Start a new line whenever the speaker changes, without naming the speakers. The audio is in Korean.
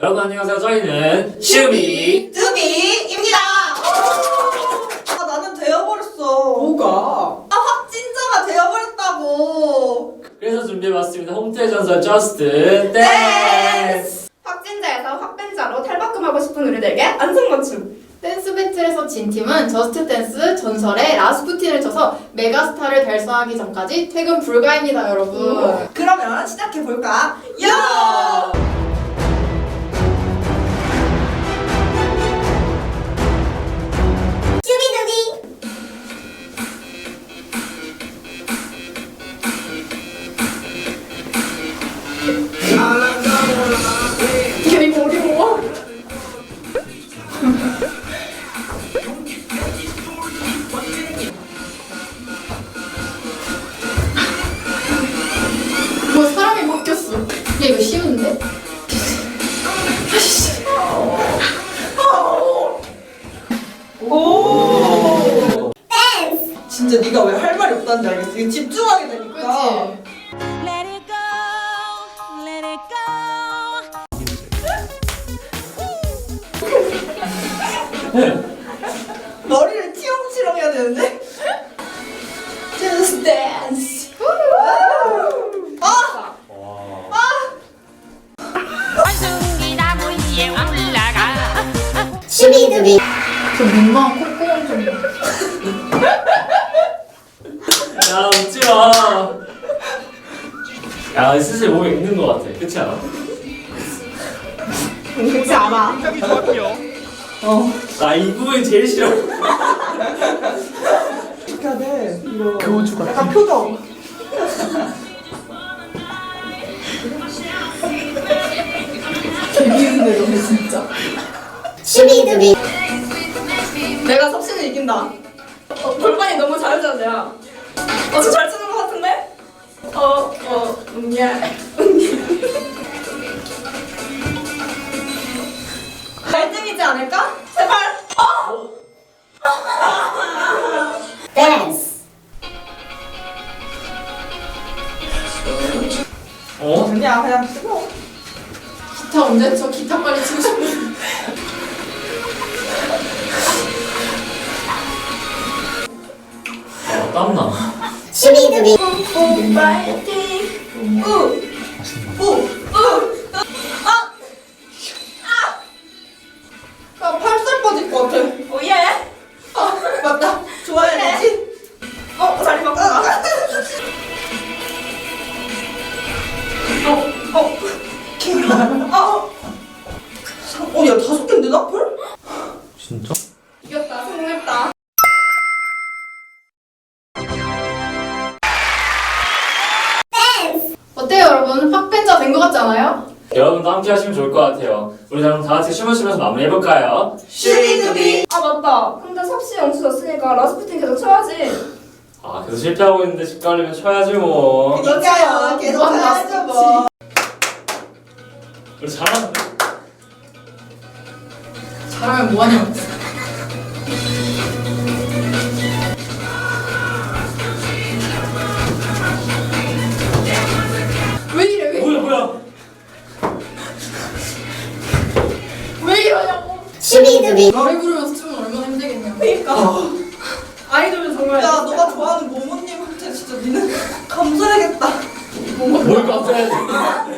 여러분 안녕하세요. 저희는 슈비
뚜비입니다. 나는 되어버렸어.
뭐가?
확진자가 되어버렸다고.
그래서 준비해봤습니다. 홈트의 전설 저스트 댄스.
확진자에서 확빈자로 탈바꿈하고 싶은 우리들에게 안성맞춤.
댄스 배틀에서 진 팀은 저스트 댄스 전설의 라스푸틴을 쳐서 메가스타를 달성하기 전까지 퇴근 불가입니다, 여러분.
그러면 시작해볼까? 야!
이게 어려워. 뭐 사람이 바뀌었어. 야 이거 쉬운데?
오! 진짜 네가 왜 할 말이 없다는지 알겠어. 이게 집중하게 되니까.
그치?
Let it go, let it go.
머리를 치렁치렁 해야 되는데? Just dance.
원숭이 나무 위에 올라가.
저 민망한 콧구멍 좀.
야 웃지마. 야 슬슬 몸에 익는 것 같아. 그렇지 않아?
그렇지 않아.
나 이 부분이 제일 싫어.
어떻게 해야 돼? 이거 교주 같아. 약간 표정.
개미인데 너네 진짜.
내가 섭씨는 이긴다. 골반이 너무 잘하잖아, 내가. 잘 쓰는 것 같은데? 갈등이지 않을까? 제발!
어?
그냥 쓰고.
기타 언제 쳐? 기타 빨리 치고 싶어.
아 땀나.
파이팅! 나 팔살 빠질 것 같아. 오예! 맞다. 좋아야 되지? 자리 바꿔. 야, 5개인데, 나 펄?
진짜?
이겼다, 성공했다.
어때요, 여러분? 팍벤자 된 것 같지 않아요?
여러분도 함께 하시면 좋을 것 같아요. 우리 그럼 다 같이 춤을 추면서 마무리해볼까요?
슈비두비! 맞다. 근데 섭씨 영수 졌으니까 라스푸틴 계속 쳐야지.
아 계속 실패하고 있는데 집 가려면 쳐야지 뭐.
그러니까요. 계속 쳐야죠, 뭐.
우리 잘하는데?
잘하면 뭐하냐고. 왜 이래, 왜 이래?
뭐야?
왜 이러냐고. 노래 부르면서 추면 얼마나 힘들겠냐.
그니까. 아이돌은 정말. 야, 너가 좋아하는 모모님한테 진짜 니는 감사해야겠다.
뭘 감사해야 돼?